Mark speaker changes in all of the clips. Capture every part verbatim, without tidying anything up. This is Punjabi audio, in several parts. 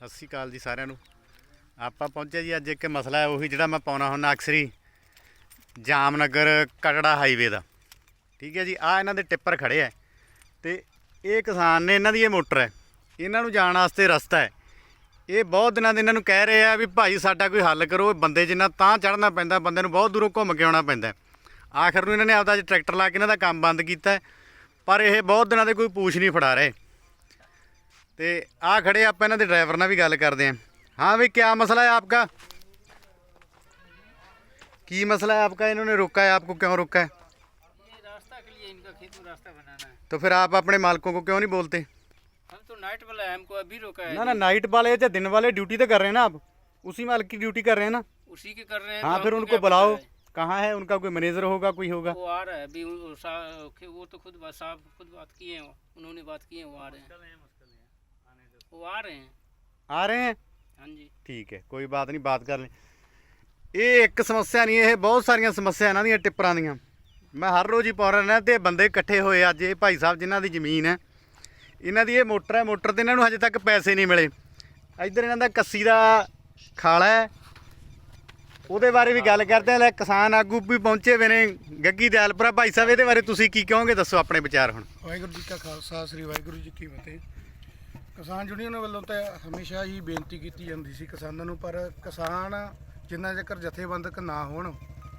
Speaker 1: ਸਤਿ ਸ਼੍ਰੀ ਅਕਾਲ ਜੀ ਸਾਰਿਆਂ ਨੂੰ। ਆਪਾਂ ਪਹੁੰਚੇ ਜੀ ਅੱਜ ਇੱਕ ਮਸਲਾ ਹੈ ਉਹੀ ਜਿਹੜਾ ਮੈਂ ਪਾਉਣਾ ਹੁੰਦਾ ਅਕਸਰੀ ਜਾਮਨਗਰ ਕਟੜਾ ਹਾਈਵੇ ਦਾ। ਠੀਕ ਹੈ ਜੀ, ਆ ਇਹਨਾਂ ਦੇ ਟਿੱਪਰ ਖੜੇ ਹੈ ਤੇ ਇਹ ਕਿਸਾਨ ਨੇ, ਇਹਨਾਂ ਦੀ ਇਹ ਮੋਟਰ ਹੈ, ਇਹਨਾਂ ਨੂੰ ਜਾਣ ਵਾਸਤੇ ਰਸਤਾ ਹੈ। ਇਹ ਬਹੁਤ ਦਿਨਾਂ ਦੇ ਇਹਨਾਂ ਨੂੰ ਕਹਿ ਰਹੇ ਆ ਵੀ ਭਾਈ ਸਾਡਾ ਕੋਈ ਹੱਲ ਕਰੋ। ਬੰਦੇ ਜਿੰਨਾ ਤਾਂ ਚੜ੍ਹਨਾ ਪੈਂਦਾ, ਬੰਦੇ ਨੂੰ ਬਹੁਤ ਦੂਰੋਂ ਘੁੰਮ ਕੇ ਆਉਣਾ ਪੈਂਦਾ। ਆਖਰ ਨੂੰ ਇਹਨਾਂ ਨੇ ਆਪਦਾ ਟਰੈਕਟਰ ਲਾ ਕੇ ਇਹਨਾਂ ਦਾ ਕੰਮ ਬੰਦ ਕੀਤਾ, ਪਰ ਇਹ ਬਹੁਤ ਦਿਨਾਂ ਦੇ ਕੋਈ ਪੂਛ ਨਹੀਂ ਫੜਾ ਰਹੇ। तो आ खड़े आप इन्होंने ड्राइवर ना भी गल करते हैं। हाँ भाई, क्या मसला है आपका? की मसला है आपका? इन्होंने रोका है आपको, क्यों रोका है?
Speaker 2: ये रास्ता के लिए, इनका खेत में रास्ता बनाना है।
Speaker 1: तो फिर आप अपने मालिकों को क्यों नहीं बोलते?
Speaker 2: हम तो नाइट वाला है, हमको अभी रोका है।
Speaker 1: ना ना, नाइट वाले या दिन वाले ड्यूटी तो कर रहे हैं ना आप, उसी मालिक की ड्यूटी कर रहे हैं ना।
Speaker 2: उसी के कर रहे हैं।
Speaker 1: हाँ,
Speaker 2: तो
Speaker 1: फिर
Speaker 2: हमको
Speaker 1: उनको
Speaker 2: क्या
Speaker 1: बुलाओ।
Speaker 2: पता है?
Speaker 1: कहाँ है उनका कोई मैनेजर होगा, कोई होगा?
Speaker 2: वो आ रहा है अभी, वो सा- वो तो खुद बात साहब खुद बात किए हैं, उन्होंने बात की है, वो आ रहे हैं। वो आ रहे हैं।
Speaker 1: आ रहे हैं?
Speaker 2: हाँ जी,
Speaker 1: ठीक है, कोई बात नहीं, बात कर लें। ये एक समस्या नहीं, ये बहुत सारिया समस्या इन्हों दी टिप्परां दियां। मैं हर रोज़ ही पा रहा तो बंदे इकट्ठे होए अज। ये भाई साहब जिन्हों की जमीन है, इन्हों की ये मोटर है, मोटर तो इन्हों हजे तक पैसे नहीं मिले। इधर इन्हों का कस्सी का खाला है, ਉਹਦੇ ਬਾਰੇ ਵੀ ਗੱਲ ਕਰਦੇ ਆ। ਲੈ ਕਿਸਾਨ ਆਗੂ ਵੀ ਪਹੁੰਚੇ ਹੋਏ ਨੇ, ਗੱਗੀ ਦਿਆਲਪੁਰਾ। ਭਾਈ ਸਾਹਿਬ, ਇਹਦੇ ਬਾਰੇ ਤੁਸੀਂ ਕੀ ਕਹੋਗੇ, ਦੱਸੋ ਆਪਣੇ ਵਿਚਾਰ ਹੁਣ।
Speaker 3: ਵਾਹਿਗੁਰੂ ਜੀ ਕਾ ਖਾਲਸਾ, ਸ੍ਰੀ ਵਾਹਿਗੁਰੂ ਜੀ ਕੀ ਫਤਿਹ। ਕਿਸਾਨ ਯੂਨੀਅਨ ਵੱਲੋਂ ਤਾਂ ਹਮੇਸ਼ਾ ਹੀ ਬੇਨਤੀ ਕੀਤੀ ਜਾਂਦੀ ਸੀ ਕਿਸਾਨਾਂ ਨੂੰ, ਪਰ ਕਿਸਾਨ ਜਿੰਨਾ ਚਿਰ ਜਥੇਬੰਦਕ ਨਾ ਹੋਣ,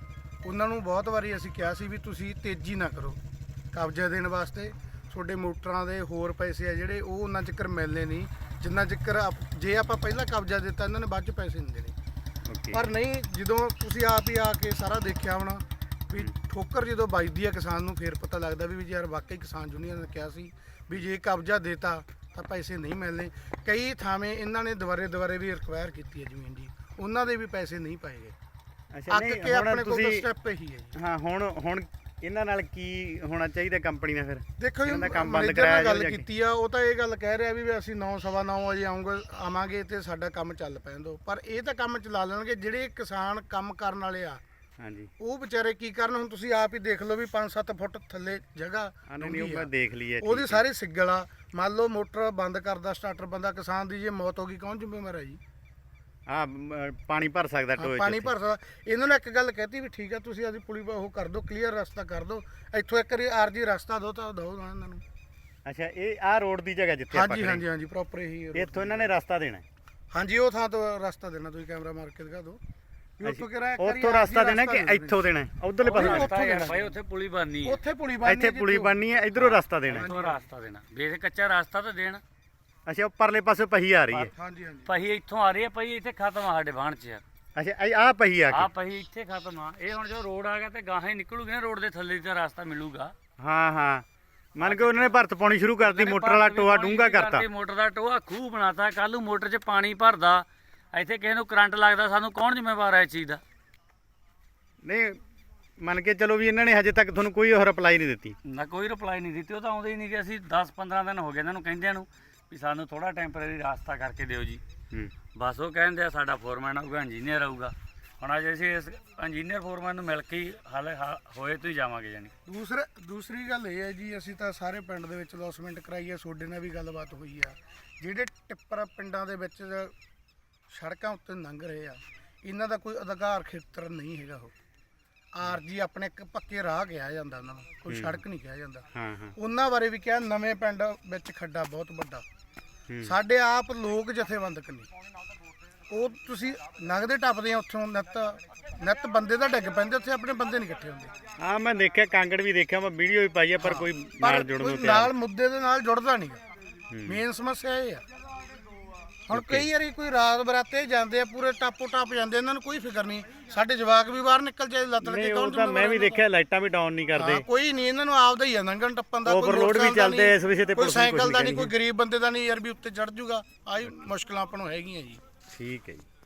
Speaker 3: ਉਹਨਾਂ ਨੂੰ ਬਹੁਤ ਵਾਰੀ ਅਸੀਂ ਕਿਹਾ ਸੀ ਵੀ ਤੁਸੀਂ ਤੇਜ਼ੀ ਨਾ ਕਰੋ ਕਬਜ਼ਾ ਦੇਣ ਵਾਸਤੇ। ਤੁਹਾਡੇ ਮੋਟਰਾਂ ਦੇ ਹੋਰ ਪੈਸੇ ਆ ਜਿਹੜੇ, ਉਹ ਉਹਨਾਂ ਚਿਰ ਮਿਲਨੇ ਨਹੀਂ ਜਿੰਨਾ ਚਿਰ ਜੇ ਆਪਾਂ ਪਹਿਲਾਂ ਕਬਜ਼ਾ ਦਿੱਤਾ ਇਹਨਾਂ ਨੇ ਬਾਅਦ 'ਚ ਪੈਸੇ ਨਹੀਂ ਦੇਣੇ। ਪਰ ਨਹੀਂ, ਜਦੋਂ ਤੁਸੀਂ ਆਪ ਹੀ ਆ ਕੇ ਸਾਰਾ ਦੇਖਿਆ ਹੋਣਾ ਵੀ ਠੋਕਰ ਜਦੋਂ ਵੱਜਦੀ ਆ ਕਿਸਾਨ ਨੂੰ, ਫੇਰ ਪਤਾ ਲੱਗਦਾ ਵੀ ਯਾਰ ਵਾਕਈ ਕਿਸਾਨ ਯੂਨੀਅਨ ਨੇ ਕਿਹਾ ਸੀ ਵੀ ਜੇ ਕਬਜ਼ਾ ਦੇਤਾ ਤਾਂ ਪੈਸੇ ਨਹੀਂ ਮਿਲਣੇ। ਕਈ ਥਾਵੇਂ ਇਹਨਾਂ ਨੇ ਦੁਬਾਰੇ ਦੁਬਾਰੇ ਵੀ ਰਿਕਵਾਇਰ ਕੀਤੀ ਹੈ ਜ਼ਮੀਨ ਦੀ, ਉਹਨਾਂ ਦੇ ਵੀ ਪੈਸੇ ਨਹੀਂ ਪਾਏ ਗਏ।
Speaker 1: ਅੱਛਾ,
Speaker 3: ਅੱਕ ਕੇ ਆਪਣੇ ਕੋਲ ਤਾਂ ਸਟੈਪ ਇਹੀ ਹੈ ਜੀ।
Speaker 1: ਹਾਂ, ਹੁਣ ਹੁਣ ਇਹਨਾਂ ਨਾਲ ਕੀ ਹੋਣਾ ਚਾਹੀਦਾ ਕੰਪਨੀ ਨਾਲ? ਫਿਰ
Speaker 3: ਦੇਖੋ ਜੀ,
Speaker 1: ਇਹਨਾਂ ਦਾ ਕੰਮ ਬੰਦ
Speaker 3: ਮੈਨੇਜਰ
Speaker 1: ਕਰਾਇਆ
Speaker 3: ਨਾਲ ਗੱਲ
Speaker 1: ਜਾਵੇ।
Speaker 3: ਕੀਤੀ ਆ, ਉਹ ਤਾਂ ਇਹ ਗੱਲ ਕਹਿ ਰਿਹਾ ਵੀ ਅਸੀਂ ਨੌ ਸਵਾ ਨੌ ਵਜੇ ਆਉਂਗੇ ਆਵਾਂਗੇ ਤੇ ਸਾਡਾ ਕੰਮ ਚੱਲ ਪੈਣ ਦਿਓ। ਪਰ ਇਹ ਤਾਂ ਕੰਮ ਚਲਾ ਲੈਣਗੇ ਜਿਹੜੇ ਕਿਸਾਨ ਕੰਮ ਕਰਨ ਵਾਲੇ ਆ।
Speaker 1: ਹਾਂਜੀ,
Speaker 3: ਉਹ ਵਿਚਾਰੇ ਕੀ ਕਰਨ? ਹੁਣ ਤੁਸੀਂ ਆਪ ਹੀ ਦੇਖ ਲਓ ਵੀ ਪੰਜ ਸੱਤ ਫੁੱਟ ਥੱਲੇ ਜਗ੍ਹਾ
Speaker 1: ਨਹੀਂ ਉਹ ਮੈਂ ਦੇਖ ਲਈ ਹੈ।
Speaker 3: ਉਹਦੀ ਸਾਰੀ ਸਿੱਗਲ ਆ। ਮੰਨ ਲਓ ਮੋਟਰ ਬੰਦ ਕਰਦਾ ਸਟਾਰਟਰ ਬੰਦਾ, ਕਿਸਾਨ ਦੀ ਜੇ ਮੌਤ ਹੋ ਗਈ ਕੌਣ ਜ਼ਿੰਮੇਵਾਰ ਹੈ ਜੀ?
Speaker 1: ਹਾਂ, ਪਾਣੀ ਭਰ ਸਕਦਾ
Speaker 3: ਹਾਂ,
Speaker 1: ਟੋਏ 'ਚ
Speaker 3: ਪਾਣੀ
Speaker 1: ਉੱਥੇ।
Speaker 3: ਭਰ ਸਕਦਾ। ਇਹਨਾਂ ਨੇ ਇੱਕ ਗੱਲ ਕਹਿਤੀ ਵੀ ਠੀਕ ਆ, ਤੁਸੀਂ ਆਦੀ ਪੁਲੀ ਉਹ ਕਰ ਦਿਓ, ਕਲੀਅਰ ਰਸਤਾ ਕਰ ਦਿਓ, ਇੱਥੋਂ ਇੱਕ ਵਾਰੀ ਆਰਜੀ ਰਸਤਾ ਦਿਓ ਤਾਂ ਦਿਓ ਨਾ ਇਹਨਾਂ ਨੂੰ।
Speaker 1: ਅੱਛਾ, ਇਹ ਆਹ ਰੋਡ ਦੀ ਜਗ੍ਹਾ ਜਿੱਥੇ ਆਪਾਂ
Speaker 3: ਹਾਂਜੀ
Speaker 1: ਖੜੇ,
Speaker 3: ਹਾਂਜੀ ਹਾਂਜੀ, ਪ੍ਰੋਪਰ ਇਹੀ ਹੈ।
Speaker 1: ਇੱਥੋਂ ਇਹਨਾਂ ਨੇ ਰਸਤਾ ਦੇਣਾ ਹੈ।
Speaker 3: ਹਾਂਜੀ, ਉਹ ਥਾਂ ਤੋਂ ਰਸਤਾ ਦੇਣਾ, ਤੁਸੀਂ ਕੈਮਰਾ ਮਾਰ ਕੇ ਦਿਖਾ ਦਿਓ ਵੀ ਉੱਥੋਂ ਕਿਹੜਾ ਇੱਕ ਵਾਰੀ
Speaker 1: ਉੱਥੋਂ ਰਸਤਾ ਦੇਣਾ ਕਿ
Speaker 3: ਦੇਣਾ।
Speaker 1: ਇੱਥੋਂ ਦੇਣਾ? ਉਧਰਲੇ ਪਾਸੇ
Speaker 3: ਉੱਥੋਂ ਦੇਣਾ
Speaker 2: भाई ਉੱਥੇ ਪੁਲੀ ਬਣਨੀ ਹੈ,
Speaker 3: ਉੱਥੇ ਪੁਲੀ ਬਣਨੀ
Speaker 1: ਇੱਥੇ ਪੁਲੀ ਬਣਨੀ ਹੈ, ਇਧਰੋਂ ਰਸਤਾ ਦੇਣਾ ਹੈ।
Speaker 2: ਉੱਥੋਂ ਰਾਸਤਾ ਦੇਣਾ। ਬੇਸ ਕੱਚਾ ਰਾਸਤਾ ਤਾਂ ਦੇਣ।
Speaker 1: ਅੱਛਾ, ਉਹ ਪਰਲੇ ਪਾਸੇ ਪਹੀ ਆ ਰਹੀ ਹੈ।
Speaker 3: ਹਾਂਜੀ ਹਾਂਜੀ,
Speaker 2: ਪਹੀ ਇੱਥੋਂ ਆ ਰਹੀ ਹੈ, ਪਹੀ ਇੱਥੇ ਖਤਮ ਆ ਸਾਡੇ ਬਾਣ 'ਚ।
Speaker 1: ਅੱਛਾ, ਆਹ ਪਹੀ ਆ
Speaker 2: ਆ
Speaker 1: ਕੇ।
Speaker 2: ਪਹੀ ਇੱਥੇ ਖਤਮ ਆ। ਇਹ ਹੁਣ ਜੋ ਰੋਡ ਆ ਗਿਆ ਤੇ ਗਾਹਾਂ ਹੀ ਨਿਕਲੂਗੀ ਨਾ, ਰੋਡ ਦੇ ਥੱਲੇ ਦਾ ਰਾਸਤਾ ਮਿਲੂਗਾ।
Speaker 1: ਹਾਂ ਹਾਂ, ਮੰਨ ਕੇ ਉਹਨਾਂ ਨੇ ਭਰਤ ਪਾਉਣੀ ਸ਼ੁਰੂ ਕਰਤੀ, ਮੋਟਰ ਵਾਲਾ ਟੋਆ ਡੂੰਘਾ ਕਰਤਾ।
Speaker 2: ਮੋਟਰ ਦਾ ਟੋਆ ਖੂਹ ਬਣਾਤਾ। ਕੱਲ ਨੂੰ ਮੋਟਰ 'ਚ ਪਾਣੀ ਭਰਦਾ, ਇੱਥੇ ਕਿਸੇ ਨੂੰ ਕਰੰਟ ਲੱਗਦਾ, ਸਾਨੂੰ ਕੌਣ ਜ਼ਿੰਮੇਵਾਰ ਹੈ ਇਸ ਚੀਜ਼ ਦਾ?
Speaker 1: ਨਹੀਂ, ਮੰਨ ਕੇ ਚਲੋ ਵੀ ਇਹਨਾਂ ਨੇ ਹਜੇ ਤੱਕ ਤੁਹਾਨੂੰ ਕੋਈ ਰਿਪਲਾਈ ਨਹੀਂ ਦਿੱਤੀ।
Speaker 2: ਨਾ ਕੋਈ ਰਿਪਲਾਈ ਨਹੀਂ ਦਿੱਤੀ। ਉਹ ਤਾਂ ਆਉਂਦੇ ਹੀ ਨਹੀਂ ਕਿ ਅਸੀਂ ਦਸ ਪੰਦਰਾਂ ਦਿਨ ਹੋ ਗਏ ਇਹਨਾਂ ਨੂੰ ਕਹਿੰਦਿਆਂ ਨੂੰ ਵੀ ਸਾਨੂੰ ਥੋੜਾ ਟੈਂਪਰੇਰੀ ਰਾਸਤਾ ਕਰਕੇ ਦਿਓ ਜੀ।
Speaker 1: ਹੂੰ,
Speaker 2: ਬਸ ਉਹ ਕਹਿੰਦੇ ਆ ਸਾਡਾ ਫੋਰਮੈਨ ਆਊਗਾ, ਇੰਜੀਨੀਅਰ ਆਊਗਾ। ਹੁਣ ਅੱਜ ਅਸੀਂ ਇਸ ਇੰਜੀਨੀਅਰ ਫੋਰਮੈਨ ਨੂੰ ਮਿਲ ਕੇ ਹੀ ਹਾਲੇ ਹਾ- ਹੋਏ ਤੋਂ ਹੀ ਜਾਵਾਂਗੇ ਜਾਨੀ।
Speaker 3: ਦੂਸਰਾ ਦੂਸਰੀ ਗੱਲ ਇਹ ਹੈ ਜੀ, ਅਸੀਂ ਤਾਂ ਸਾਰੇ ਪਿੰਡ ਦੇ ਵਿੱਚ ਲੌਸਮੈਂਟ ਕਰਾਈ ਹੈ, ਤੁਹਾਡੇ ਨਾਲ ਵੀ ਗੱਲਬਾਤ ਹੋਈ ਆ। ਜਿਹੜੇ ਟਿੱਪਰ ਪਿੰਡਾਂ ਦੇ ਵਿੱਚ ਸੜਕਾਂ ਉੱਤੇ ਲੰਘ ਰਹੇ ਆ, ਇਹਨਾਂ ਦਾ ਕੋਈ ਅਧਿਕਾਰ ਖੇਤਰ ਨਹੀਂ ਹੈਗਾ। ਉਹ ਆਰਜੀ ਆਪਣੇ ਇੱਕ ਪੱਕੇ ਰਾਹ ਕਿਹਾ ਜਾਂਦਾ ਉਹਨਾਂ ਨੂੰ, ਕੋਈ ਸੜਕ ਨਹੀਂ ਕਿਹਾ ਜਾਂਦਾ।
Speaker 1: ਹਾਂ ਹਾਂ,
Speaker 3: ਉਹਨਾਂ ਬਾਰੇ ਵੀ ਕਿਹਾ, ਨਵੇਂ ਪਿੰਡ ਵਿੱਚ ਖੱਡਾ ਬਹੁਤ ਵੱਡਾ।
Speaker 1: ਹੂੰ।
Speaker 3: ਸਾਡੇ ਆਪ ਲੋਕ ਜਥੇਬੰਦਕ ਨੇ, ਉਹ ਤੁਸੀਂ ਲੰਘਦੇ ਟੱਪਦੇ ਆ ਉੱਥੋਂ, ਨਿੱਤ ਨਿੱਤ ਬੰਦੇ ਤਾਂ ਡਿੱਗ ਪੈਂਦੇ ਉੱਥੇ, ਆਪਣੇ ਬੰਦੇ ਨਹੀਂ ਇਕੱਠੇ ਹੁੰਦੇ।
Speaker 1: ਹਾਂ, ਮੈਂ ਦੇਖਿਆ ਕਾਂਗੜ ਵੀ ਦੇਖਿਆ, ਮੈਂ ਵੀਡੀਓ ਵੀ ਪਾਈ ਆ, ਪਰ ਕੋਈ
Speaker 3: ਪਰ
Speaker 1: ਨਾਲ ਜੁੜਨ
Speaker 3: ਕੋਈ
Speaker 1: ਨੂੰ ਤਿਆਰ
Speaker 3: ਨਾਲ ਮੁੱਦੇ ਦੇ ਨਾਲ ਜੁੜਦਾ ਨਹੀਂ।
Speaker 1: ਹੂੰ।
Speaker 3: ਮੇਨ ਸਮੱਸਿਆ ਇਹ ਆ। ਹੁਣ ਕਈ ਵਾਰੀ ਕੋਈ ਰਾਤ ਬਰਾਤੇ ਜਾਂਦੇ ਆ, ਪੂਰੇ ਟਾਪੋ ਟਾਪ ਜਾਂਦੇ, ਇਹਨਾਂ ਨੂੰ ਕੋਈ ਫਿਕਰ ਨਹੀਂ। ਸਾਡੇ ਜਵਾਕ ਵੀ ਬਾਹਰ ਨਿਕਲ ਜਾਏ ਲੱਤ ਲੱਗੇ,
Speaker 1: ਨਹੀਂ,
Speaker 3: ਕੌਣ
Speaker 1: ਉਹ ਤਾਂ ਮੈਂ ਵੀ ਦੇਖਿਆ, ਲਾਈਟਾਂ ਵੀ ਡਾਊਨ ਨਹੀਂ ਕਰਦੇ।
Speaker 3: ਹਾਂ, ਕੋਈ ਨਹੀਂ, ਇਹਨਾਂ ਨੂੰ ਆਪਦਾ ਹੀ ਆ ਲੰਘਣ ਟੱਪਣ ਦਾ। ਕੋਈ
Speaker 1: Overload ਵੀ
Speaker 3: ਮੋਟਰਸਾਈਕਲ ਦਾ
Speaker 1: ਚੱਲਦੇ
Speaker 3: ਨਹੀਂ,
Speaker 1: ਇਸ ਵਿਸ਼ੇ ਤੇ
Speaker 3: ਕੋਈ
Speaker 1: ਪੁਲਿਸ ਨੂੰ ਕੁਛ
Speaker 3: ਸਾਈਕਲ ਦਾ
Speaker 1: ਨਹੀਂ
Speaker 3: ਨਹੀਂ, ਕੋਈ ਗਰੀਬ ਬੰਦੇ ਦਾ ਨਹੀਂ ਯਾਰ ਵੀ ਉੱਤੇ ਚੜ ਜੂਗਾ। ਆਹੀ ਮੁਸ਼ਕਲਾਂ ਆਪਾਂ ਨੂੰ ਹੈਗੀਆਂ ਜੀ।
Speaker 1: ਠੀਕ ਹੈ ਜੀ।